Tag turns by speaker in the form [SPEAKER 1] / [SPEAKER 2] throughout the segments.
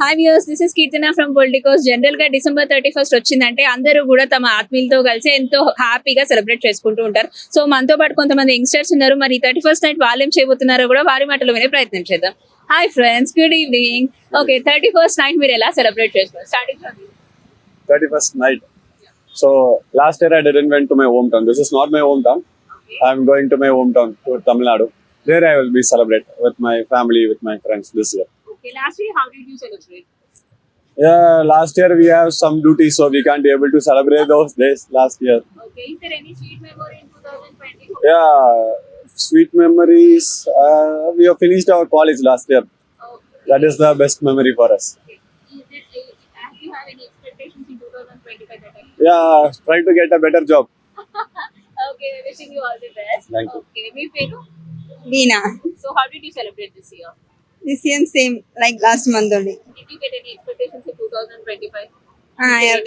[SPEAKER 1] Hi viewers, this is Keerthana from Politicos. General గా December 31st వచ్చిందంటే అందరూ కూడా తమ ఆత్మీయులతో కలిసి ఎంతో హ్యాపీగా సెలబ్రేట్ చేసుకుంటూ ఉంటారు. సో మనతో పాటు కొంతమంది యంగ్స్టర్స్ ఉన్నారు. మరి 31st నైట్ వాళ్ళు ఏం చేయబోతున్నారో కూడా వారి మాటలు వినే ప్రయత్నం చేద్దాం. Hi friends, good evening. Okay, 31st night మీరు ఎలా సెలబ్రేట్ చేస్తారు? Starting from
[SPEAKER 2] 31st night. So last year I didn't went to my hometown. This is not my hometown. I'm going to my hometown to Tamil Nadu. There I will be celebrate with my family, with my friends this year.
[SPEAKER 1] Okay, last year how did you celebrate?
[SPEAKER 2] Yeah, last year we have some duties, so we can't be able to celebrate those days last year.
[SPEAKER 1] Okay, is there any sweet memory in 2020?
[SPEAKER 2] Yeah, sweet memories. We have finished our college last year.
[SPEAKER 1] Okay.
[SPEAKER 2] That is the best memory for us.
[SPEAKER 1] Okay. Do you have any expectations in 2025 that time?
[SPEAKER 2] Yeah, try to get a better job.
[SPEAKER 1] Okay, wishing you all the best.
[SPEAKER 2] Thank you.
[SPEAKER 1] Okay, me Penu.
[SPEAKER 3] Veena.
[SPEAKER 1] So how did you celebrate this year?
[SPEAKER 3] This year same like last month only.
[SPEAKER 1] Did you get any expectations in 2025?
[SPEAKER 3] I have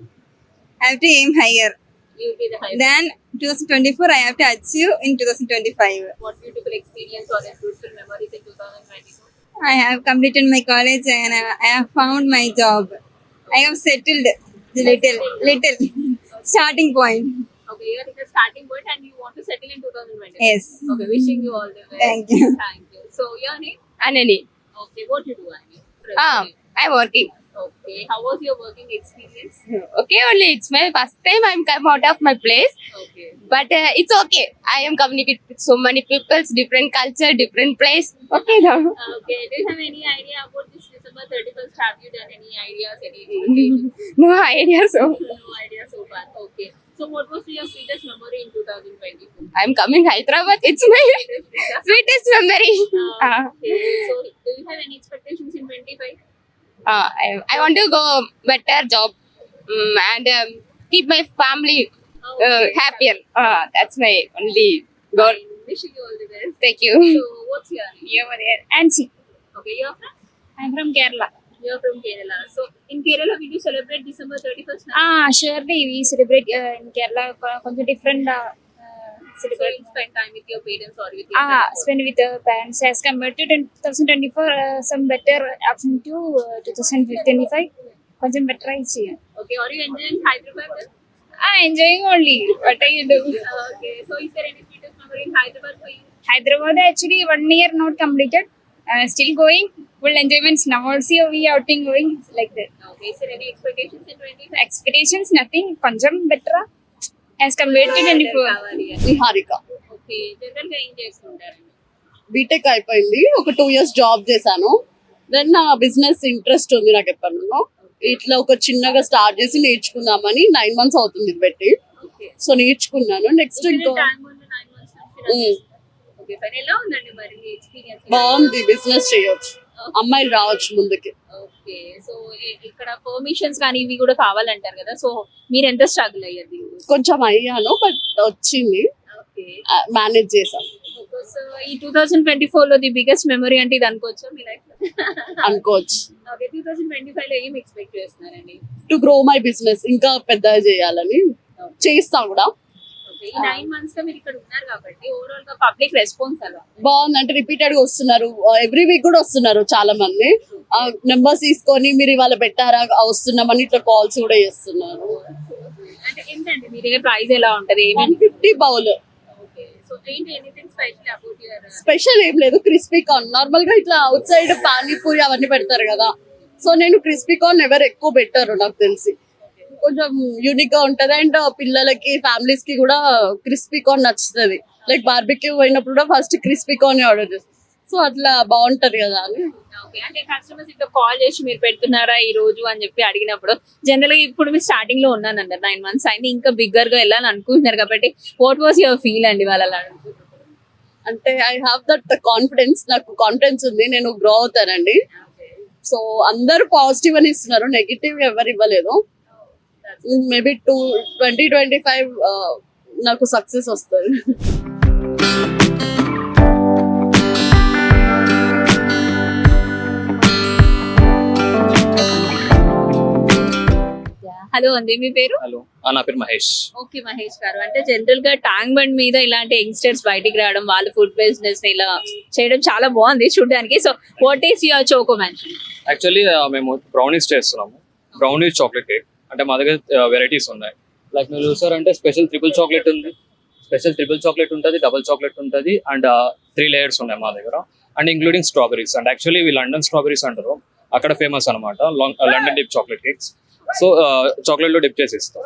[SPEAKER 3] to aim higher.
[SPEAKER 1] You did the highest.
[SPEAKER 3] Then 2024 I have to achieve in 2025.
[SPEAKER 1] What beautiful experience or fruitful memories in 2022?
[SPEAKER 3] I have completed my college and I have found my job. I have settled little starting point.
[SPEAKER 1] Okay, you are in the starting point and you want to settle in 2020.
[SPEAKER 3] Yes.
[SPEAKER 1] Okay, wishing you all the best.
[SPEAKER 3] Thank you.
[SPEAKER 1] Thank you. So your name?
[SPEAKER 4] Anani.
[SPEAKER 1] Okay, what you do, Annie?
[SPEAKER 4] I'm working.
[SPEAKER 1] Okay, how was your working experience?
[SPEAKER 4] Okay, only it's my first time I'm come out of my place,
[SPEAKER 1] Okay.
[SPEAKER 4] but it's okay. I am communicating with so many people, different culture, different place. Okay, now.
[SPEAKER 1] Okay, do you have any idea about this December 31st? Have you done any ideas, any expectations?
[SPEAKER 4] No idea. So
[SPEAKER 1] No idea so far. Okay. So what was your sweetest memory in 2022?
[SPEAKER 4] I'm coming Hyderabad. It's my sweetest memory.
[SPEAKER 1] Okay. So do you have any expectations in 25?
[SPEAKER 4] I want to go better job and keep my family happier. That's my only goal.
[SPEAKER 1] Fine. Wishing you all the best.
[SPEAKER 4] Thank you.
[SPEAKER 1] So what's your name?
[SPEAKER 4] You're there. Ansi.
[SPEAKER 1] Okay, you're from?
[SPEAKER 4] I'm from Kerala.
[SPEAKER 1] You're from Kerala. So in Kerala, we do celebrate December 31st now.
[SPEAKER 4] Surely we celebrate in Kerala కొంచెం different
[SPEAKER 1] So
[SPEAKER 4] celebrate.
[SPEAKER 1] you spend time with your parents or with your friends?
[SPEAKER 4] Spend with the parents as compared to 2024 some better option to 2025 కొంచెం better ఇచ్చి
[SPEAKER 1] Okay, are you enjoying Hyderabad then?
[SPEAKER 4] enjoying only what I do.
[SPEAKER 1] Okay, so is there any sweetest memory in Hyderabad for you?
[SPEAKER 4] Hyderabad actually 1 year not completed, still going full enjoyments now also we outing going like that.
[SPEAKER 1] Okay, is there any expectations in 25?
[SPEAKER 4] Expectations nothing కొంచెం better as compared to 24.
[SPEAKER 5] Niharika
[SPEAKER 1] Okay, general గా ఏం చేస్తుంటారండి?
[SPEAKER 5] BTech అయిపోయింది, ఒక 2 years job చేశాను. Then నా business interest ఉంది నాకు ఎప్పటి నుండో. ఇట్లా ఒక చిన్నగా స్టార్ట్ చేసి నేర్చుకుందామని 9 months అవుతుంది ఇది పెట్టి.
[SPEAKER 1] Okay.
[SPEAKER 5] సో నేర్చుకున్నాను. నెక్స్ట్ ఇంకా
[SPEAKER 1] టైం ఉన్న 9 months నుంచి ఓకే, పని ఎలా ఉందండి మరి మీ ఎక్స్పీరియన్స్?
[SPEAKER 5] బాగుంది, బిజినెస్ చేయొచ్చు, అమ్మాయిలు రావచ్చు ముందుకి.
[SPEAKER 1] ఓకే, సో ఇక్కడ పర్మిషన్స్ కానీ ఇవి కూడా కావాలంటారు కదా, సో మీరు ఎంత స్ట్రగుల్ అయ్యారు దీని గురించి?
[SPEAKER 5] కొంచెం అయ్యాను, బట్ వచ్చింది,
[SPEAKER 1] ఓకే.
[SPEAKER 5] మేనేజ్ చేశాను
[SPEAKER 1] సో ఈ 2024 లో ది బిగ్గెస్ట్ మెమరీ అంటే ఇది అనుకోవచ్చా మీ లైఫ్ లో?
[SPEAKER 5] అనుకోవచ్చు.
[SPEAKER 1] ఓకే, 2025 లో ఏం ఎక్స్పెక్ట్ చేస్తున్నారండి?
[SPEAKER 5] టు గ్రో మై బిజినెస్, ఇంకా పెద్దగా చేయాలని చేస్తా కూడా.
[SPEAKER 1] ఓకే, ఈ 9 months లో మీరు ఇక్కడ ఉన్నారు కాబట్టి ఓవరాల్ గా పబ్లిక్ రెస్పాన్స్ ఎలా?
[SPEAKER 5] బాగుంది, అంటే రిపీటెడ్ గా వస్తున్నారు, ఎవ్రీ వీక్ కూడా వస్తున్నారు చాలా మంది. నెంబర్స్ తీసుకొని మీరు ఇవాళ పెట్టారా వస్తున్నామని ఇట్లా కాల్స్ కూడా చేస్తున్నారు.
[SPEAKER 1] అంటే ఏంటండి మీ దగ్గర ప్రైస్ ఎలా ఉంటది?
[SPEAKER 5] 150 బౌల్.
[SPEAKER 1] ఓకే, సో ఏంటి anything special about your?
[SPEAKER 5] Special ఏం లేదు, క్రిస్పీ కార్న్. నార్మల్ గా ఇట్లా అవుట్ సైడ్ పానీపూరి అవన్నీ పెడతారు కదా, సో నేను క్రిస్పీ కార్న్ ఎవరు ఎక్కువ పెట్టారు నాకు తెలిసి. కొంచెం యూనిక్ గా ఉంటది అండ్ పిల్లలకి ఫ్యామిలీస్ కి కూడా క్రిస్పీ కార్న్ నచ్చుతుంది. లైక్ బార్బిక్యూ పోయినప్పుడు కూడా ఫస్ట్ క్రిస్పీ కార్న్ ఆర్డర్ చేస్తాం, సో అట్లా బాగుంటది కదా అని.
[SPEAKER 1] ఓకే, అంటే కస్టమర్స్ ఇట్లా కాల్ చేసి మీరు పెడుతున్నారా ఈ రోజు అని చెప్పి అడిగినప్పుడు జనరల్ గా ఇప్పుడు మీరు స్టార్టింగ్ లో ఉన్నాను అన్నారు, 9 months అయింది, ఇంకా బిగ్గర్ గా వెళ్ళాలని అనుకుంటున్నారు కాబట్టి వాట్ వాస్ యువర్ ఫీల్ అండి వాళ్ళు అలా అడుగుతున్నారు?
[SPEAKER 5] అంటే ఐ హావ్ దట్ కాన్ఫిడెన్స్, నాకు కాన్ఫిడెన్స్ ఉంది, నేను గ్రో అవుతానండి. సో అందరూ పాజిటివ్ అని ఇస్తున్నారు, నెగిటివ్ ఎవరు ఇవ్వలేదు. మేబీ 2025 నాకు సక్సెస్ వస్తుంది.
[SPEAKER 1] హలో అండి, మీ పేరు?
[SPEAKER 2] Hello,
[SPEAKER 6] నా పేరు మహేష్.
[SPEAKER 1] ఓకే మహేష్ గారు, అంటే జనరల్ గా ట్యాంక్ బండ్ మీద ఇలాంటి యంగ్స్టర్స్ బయటికి రావడం, వాళ్ళ ఫుడ్ బిజినెస్ ని ఇలా చేయడం చాలా బాగుంది చూడడానికి. So what is your choco mansion?
[SPEAKER 6] Actually మేము బ్రౌనీస్ చేస్తున్నాము, బ్రౌనీస్ చాక్లెట్ కేక్. అంటే మా దగ్గర వెరైటీస్ ఉన్నాయి. లైక్ మీరు చూసారంటే స్పెషల్ ట్రిపుల్ చాక్లెట్ ఉంది, ఉంటుంది, డబుల్ చాక్లెట్ ఉంటుంది, అండ్ 3 లేయర్స్ ఉన్నాయి మా దగ్గర, and including strawberries. And actually ఇవి లండన్ స్ట్రాబెరీస్ అంటారు, అక్కడ ఫేమస్ అనమాట London dip chocolate cakes. So chocolate లో డిప్ చేసి ఇస్తాం.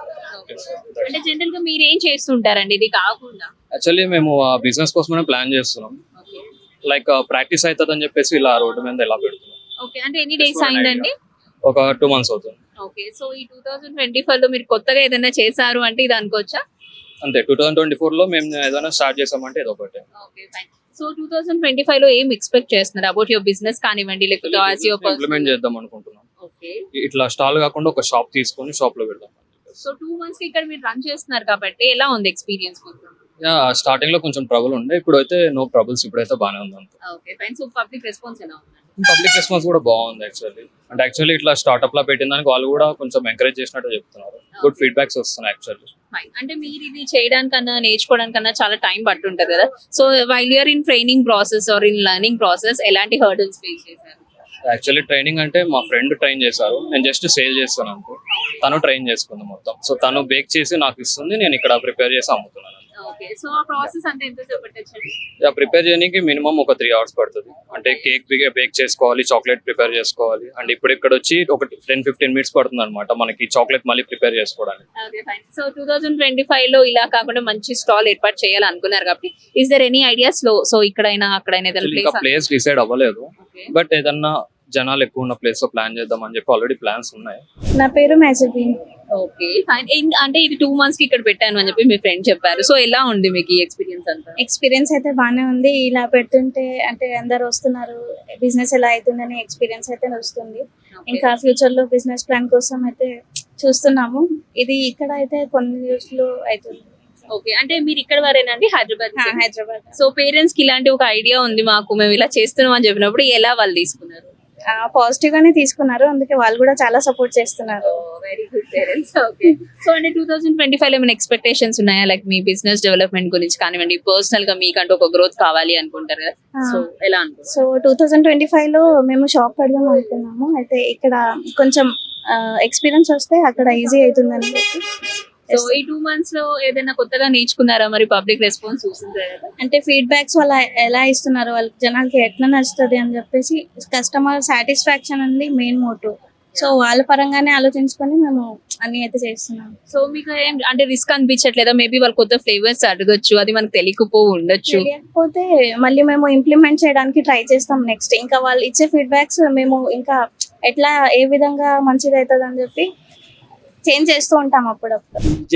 [SPEAKER 1] అంటే జనరల్ గా మీరు ఏం చేస్తుంటారండి ఇది కాకుండా?
[SPEAKER 6] యాక్చువల్లీ మేము బిజినెస్ కోసమే ప్లాన్ చేస్తున్నాం. లైక్ ప్రాక్టీస్ అవుతుంది అని చెప్పేసి ఇలా రోడ్డు మీద ఇలా పెడుతున్నాం.
[SPEAKER 1] ఓకే, అంటే ఎన్ని డేస్ అయిందండి?
[SPEAKER 6] ఒక 2 months అవుతుంది.
[SPEAKER 1] ఓకే, సో ఈ 2025 లో మీరు కొత్తగా ఏదైనా చేశారు అంటే ఇది అనుకోవచ్చా?
[SPEAKER 6] అంతే, 2024 లో మేము ఏదైనా స్టార్ట్ చేసామంటే ఇది ఒకటే.
[SPEAKER 1] Okay fine. సో 2025 లో ఏం ఎక్స్పెక్ట్ చేస్తున్నారు అబౌట్ యువర్ బిజినెస్ కానివ్వండి, లేకపోతే యాజ్ యువర్
[SPEAKER 6] ఇంప్లిమెంట్ చేద్దాం అనుకుంటున్నాం.
[SPEAKER 1] ఓకే,
[SPEAKER 6] ఇట్లా స్టాల్ కాకుండా ఒక షాప్ తీసుకొని షాప్ లో పెడదాం.
[SPEAKER 1] సో 2 months కి ఇక్కడ మీరు రన్ చేస్తున్నారు కాబట్టి ఎలా ఉంది ఎక్స్పీరియన్స్ మొత్తం?
[SPEAKER 6] స్టార్టింగ్ లో కొంచెం ట్రబుల్ ఉండే, ఇప్పుడైతే నో ట్రబుల్స్, ఇప్పుడైతే బాగానే ఉంది అంత.
[SPEAKER 1] Okay fine. So public response ఎలా ఉంది?
[SPEAKER 6] పబ్లిక్ రెస్పాన్స్ కూడా బాగుంది యాక్చువల్లీ. అంటే యాక్చువల్లీ ఇట్లా స్టార్ట్అప్ లా పెట్టిన దానికి వాళ్ళు కూడా కొంచెం ఎంకరేజ్ చేసినట్టు చెప్తున్నారు. గుడ్ ఫీడ్బ్యాక్స్ వస్తున్నాయి యాక్చువల్లీ.
[SPEAKER 1] ఫైన్. అంటే మీరు ఇది చేయడానికన్నా నేర్చుకోవడానికన్నా చాలా టైం పట్టుంటది కదా. So while you're in training process or in learning process ఎలాంటి హర్డల్స్ ఫేస్ చేశారు?
[SPEAKER 6] యాక్చువల్లీ ట్రైనింగ్ అంటే మా ఫ్రెండ్ ట్రైన్ చేశారు, నేను జస్ట్ సేల్ చేస్తాను అనుకో, తను ట్రైన్ చేసుకుంది మొత్తం. సో తను బేక్ చేసి నాకు ఇస్తుంది, నేను ఇక్కడ ప్రిపేర్ చేసి అమ్ముతున్నాను.
[SPEAKER 1] ఓకే, సో ఆ ప్రాసెస్ అంటే ఎంత చెప్పట్టండి?
[SPEAKER 6] ప్రిపేర్ చేయడానికి మినిమం ఒక 3 hours పడుతుంది. అంటే కేక్ బేక్ చేసుకోవాలి, చాక్లెట్ ప్రిపేర్ చేసుకోవాలి, అండ్ ఇప్పుడు ఇక్కడ వచ్చి ఒక 10-15 minutes పడుతుంది అనమాట మనకి చాక్లెట్ మళ్ళీ ప్రిపేర్ చేసుకోవడానికి.
[SPEAKER 1] Okay fine. సో 2025 లో ఇలా కాకుండా మంచి స్టాల్ ఏర్పాటు చేయాలనుకున్నారు కాబట్టి ఇస్ దర్ ఎనీ ఐడియాస్ లో? సో ఇక్కడైనా అక్కడైనా
[SPEAKER 6] ఇంకా ప్లేస్ డిసైడ్ అవ్వలేదు, బట్ ఏదన్నా జనాలు ఎక్కువ ఉన్న ప్లేస్ లో ప్లాన్ చేద్దాం అని చెప్పి ఆల్రెడీ ప్లాన్స్ ఉన్నాయి.
[SPEAKER 3] నా పేరు మ్యాజబీన్.
[SPEAKER 1] Okay fine. అంటే ఇది 2 months కి ఇక్కడ పెట్టాను అని చెప్పి మీ ఫ్రెండ్ చెప్పారు. సో ఎలా ఉంది మీకు ఈ ఎక్స్పీరియన్స్ అంతా?
[SPEAKER 3] ఎక్స్పీరియన్స్ అయితే బాగానే ఉంది. ఇలా పెడుతుంటే అంటే అందరు వస్తున్నారు, బిజినెస్ ఎలా అవుతుందని ఎక్స్పీరియన్స్ అయితే వస్తుంది. ఇంకా ఫ్యూచర్ లో బిజినెస్ ప్లాన్ కోసం అయితే చూస్తున్నాము. ఇది ఇక్కడ అయితే కొన్ని రోజులు అవుతుంది.
[SPEAKER 1] ఓకే, అంటే మీరు ఇక్కడ వరేనండి హైదరాబాద్?
[SPEAKER 3] హైదరాబాద్.
[SPEAKER 1] సో పేరెంట్స్ కి ఇలాంటి ఒక ఐడియా ఉంది మాకు, మేము ఇలా చేస్తున్నాం అని చెప్పినప్పుడు ఎలా వాళ్ళు తీసుకున్నారు?
[SPEAKER 3] పాజిటివ్ గానే తీసుకున్నారు, అందుకే వాళ్ళు కూడా చాలా సపోర్ట్ చేస్తున్నారు.
[SPEAKER 1] Very good parents. Okay, so అంటే 2025 లో ఏమైనా ఎక్స్పెక్టేషన్స్ ఉన్నాయా? లైక్ మీ బిజినెస్ డెవలప్మెంట్ గురించి కానివ్వండి, పర్సనల్ గా మీకంటూ ఒక గ్రోత్ కావాలి అనుకుంటారు కదా, సో ఎలా అనుకుంటారు?
[SPEAKER 3] సో 2025 లో మేము షాప్ పెడదాం అనుకున్నాము. అయితే ఇక్కడ కొంచెం ఎక్స్పీరియన్స్ వస్తే అక్కడ ఈజీ అవుతుందని చెప్పి.
[SPEAKER 1] సో ఈ 2 months లో ఏదైనా కొత్తగా నేర్చుకున్నారా? మరి పబ్లిక్ రెస్పాన్స్ చూసిందా?
[SPEAKER 3] అంటే ఫీడ్బ్యాక్స్ వాళ్ళు ఎలా ఇస్తున్నారు, వాళ్ళకి జనాలకి ఎట్లా నచ్చుతుంది అని చెప్పేసి కస్టమర్ సాటిస్ఫాక్షన్ అనేది మెయిన్ మోటివ్. సో వాళ్ళ పరంగానే ఆలోచించుకొని మేము అన్ని అయితే చేస్తున్నాం.
[SPEAKER 1] సో మీకు ఏం అంటే రిస్క్ అనిపించట్లేదా? మేబీ వాళ్ళు కొత్త ఫ్లేవర్స్ అడగొచ్చు, అది మనకు తెలియకపో ఉండొచ్చు.
[SPEAKER 3] తెలియకపోతే మళ్ళీ మేము ఇంప్లిమెంట్ చేయడానికి ట్రై చేస్తాం నెక్స్ట్. ఇంకా వాళ్ళు ఇచ్చే ఫీడ్బ్యాక్స్ మేము ఇంకా ఎట్లా ఏ విధంగా మంచిది అవుతుంది అని చెప్పి చేంజ్ చేస్తూ ఉంటాం అప్పుడప్పుడు.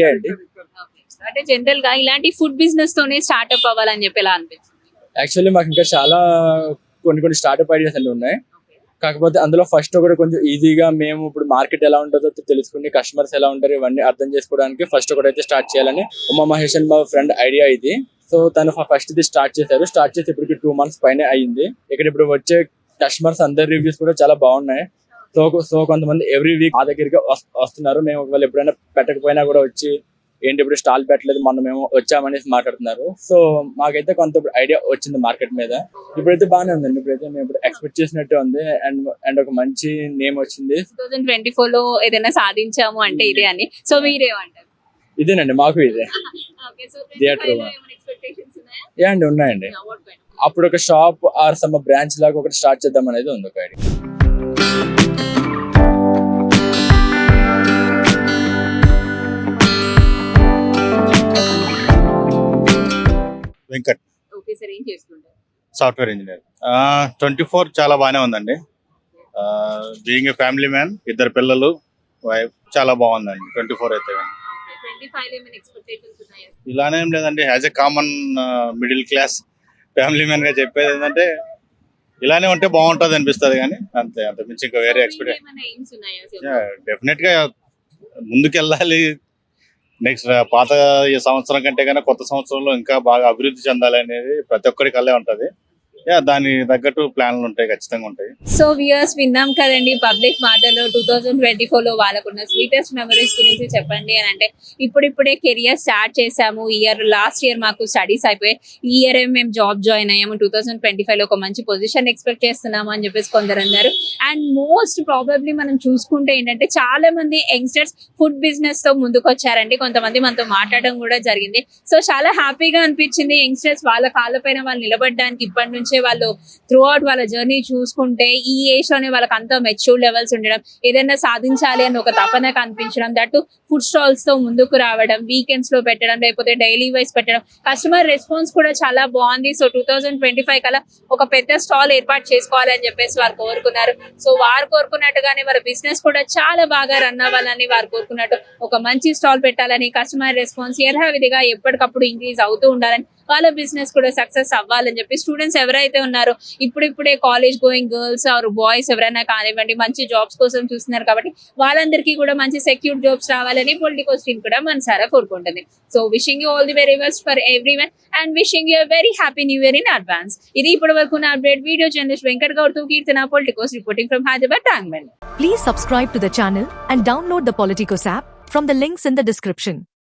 [SPEAKER 1] అంటే జనరల్ గా ఇలాంటి ఫుడ్ బిజినెస్ తోనే స్టార్ట్అప్ అవ్వాలని చెప్పి ఎలా అనిపిస్తుంది?
[SPEAKER 7] యాక్చువల్లీ మాకు ఇంకా చాలా కొన్ని స్టార్ట్అప్ ఐడియాస్ అన్ని ఉన్నాయి. కాకపోతే అందులో ఫస్ట్ ఒకటి కొంచెం ఈజీగా మేము ఇప్పుడు మార్కెట్ ఎలా ఉంటుందో తెలుసుకుని కస్టమర్స్ ఎలా ఉంటారు ఇవన్నీ అర్థం చేసుకోవడానికి ఫస్ట్ ఒకటి అయితే స్టార్ట్ చేయాలని ఉమా మహేష్ అని మా ఫ్రెండ్ ఐడియా ఇది. సో తను ఫస్ట్ ఇది స్టార్ట్ చేసి ఇప్పటికి 2 months పైన అయ్యింది. ఇక్కడ ఇప్పుడు వచ్చే కస్టమర్స్ అందరి రివ్యూస్ కూడా చాలా బాగున్నాయి. సో కొంతమంది ఎవ్రీ వీక్ మా దగ్గరికి వస్తున్నారు. మేము ఒకవేళ ఎప్పుడైనా పెట్టకపోయినా కూడా వచ్చి ఏంటి ఇప్పుడు స్టాల్ పెట్టలేదు మనం మేము వచ్చామనేసి మాట్లాడుతున్నారు. సో మాకైతే కొంత ఐడియా వచ్చింది మార్కెట్ మీద. ఇప్పుడైతే బాగానే ఉందండి. ఇప్పుడైతే మేము ఇప్పుడు ఎక్స్పెక్ట్ చేసినట్టు ఉంది అండ్ ఒక మంచి నేమ్ వచ్చింది.
[SPEAKER 1] 2024 లో ఏదైనా సాధించాము అంటే ఇదే అని. సో మీరేమంటారు?
[SPEAKER 7] ఇదేనండి మాకు ఇదే థియేటర్ అండి ఉన్నాయండి. అప్పుడు ఒక షాప్ ఆర్ సమ్ బ్రాంచ్ లాగా ఒకటి స్టార్ట్ చేద్దాం అనేది ఉంది ఒక ఐడియా.
[SPEAKER 8] వెంకట్,
[SPEAKER 1] ఓకే సార్, ఏం చేస్తుంటారు?
[SPEAKER 8] Software engineer. 24 చాలా బాగానే ఉందండి. బీయింగ్ ఏ ఫ్యామిలీ మ్యాన్, 2 పిల్లలు, వైఫ్, చాలా బాగుందండి 24 అయితే.
[SPEAKER 1] 25 లో ఏమైనా ఎక్స్పెక్టేషన్స్ ఉన్నాయా?
[SPEAKER 8] ఇలానే ఏం లేదండి. As a common middle class family man గా చెప్పేది ఏంటంటే ఇలానే ఉంటే బాగుంటుంది అనిపిస్తుంది, కానీ అంతే, అంత మించి ఇంకా వేరే ఎక్స్పెక్టేషన్.
[SPEAKER 1] ఏమైనా ఎయిమ్స్ ఉన్నాయా?
[SPEAKER 8] డెఫినెట్ గా ముందుకెళ్ళాలి. నెక్స్ట్ పాత ఈ సంవత్సరం కంటే కన్నా కొత్త సంవత్సరంలో ఇంకా బాగా అభివృద్ధి చెందాలి అనేది ప్రతి ఒక్కరి కళ్ళే ఉంటది. దాని తగ్గట్టు ప్లాన్లు ఉంటాయి, ఖచ్చితంగా ఉంటాయి.
[SPEAKER 1] సో వ్యూయర్స్ విన్నాం కదండి పబ్లిక్ మాటలో 2024 లో వాళ్ళకున్న స్వీటెస్ట్ మెమరీస్ గురించి చెప్పండి అని అంటే ఇప్పుడిప్పుడే కెరియర్ స్టార్ట్ చేసాము. లాస్ట్ ఇయర్ మాకు స్టడీస్ అయిపోయాయి, ఈ ఇయర్ మేము జాబ్ జాయిన్ అయ్యాము, 2025 లో ఒక మంచి పొజిషన్ ఎక్స్పెక్ట్ చేస్తున్నాము అని చెప్పేసి కొందరు అన్నారు. అండ్ మోస్ట్ ప్రాబబ్లీ మనం చూసుకుంటే ఏంటంటే చాలా మంది యంగ్స్టర్స్ ఫుడ్ బిజినెస్ తో ముందుకు వచ్చారండి. కొంతమంది మనతో మాట్లాడడం కూడా జరిగింది. సో చాలా హ్యాపీగా అనిపించింది యంగ్స్టర్స్ వాళ్ళ కాళ్ళపైన వాళ్ళు నిలబడడానికి ఇప్పటి నుంచే వాళ్ళు త్రూ అవుట్ వాళ్ళ జర్నీ చూసుకుంటే ఈ ఏజ్ లోనే వాళ్ళకి అంత మెచ్యూర్ లెవెల్స్ ఉండడం, ఏదైనా సాధించాలి అని ఒక తపన కనిపించడం, దట్టు ఫుడ్ స్టాల్స్ తో ముందుకు రావడం, వీకెండ్స్ లో పెట్టడం, లేకపోతే డైలీ వైజ్ పెట్టడం, కస్టమర్ రెస్పాన్స్ కూడా చాలా బాగుంది. సో 2025 కల్లా ఒక పెద్ద స్టాల్ ఏర్పాటు చేసుకోవాలని చెప్పేసి వారు కోరుకున్నారు. సో వారు కోరుకున్నట్టుగానే వాళ్ళ బిజినెస్ కూడా చాలా బాగా రన్ అవ్వాలని వారు కోరుకున్నట్టు ఒక మంచి స్టాల్ పెట్టాలని, కస్టమర్ రెస్పాన్స్ యథావిధిగా ఎప్పటికప్పుడు ఇంక్రీజ్ అవుతూ ఉండాలని, వాళ్ళ బిజినెస్ కూడా సక్సెస్ అవ్వాలని చెప్పి స్టూడెంట్స్ ఎవరైతే ఉన్నారో ఇప్పుడిప్పుడే college going girls or boys ఎవరైనా కానివ్వండి మంచి జాబ్స్ కోసం చూస్తున్నారు కాబట్టి వాళ్ళందరికీ కూడా మంచి సెక్యూర్ జాబ్స్ రావాలని పొలిటికోస్ టీమ్ కూడా మనసారా కోరుకుంటుంది. So wishing you all the very best for everyone and wishing you very happy new year in advance. ఇది ఇప్పటి వరకు నా update. Video journalist Venkat Goud తో Keerthana, Politicos reporting from Hyderabad, టాంగ్మెంట్.
[SPEAKER 9] Please subscribe to the channel and download the Politicos app from the links in the description.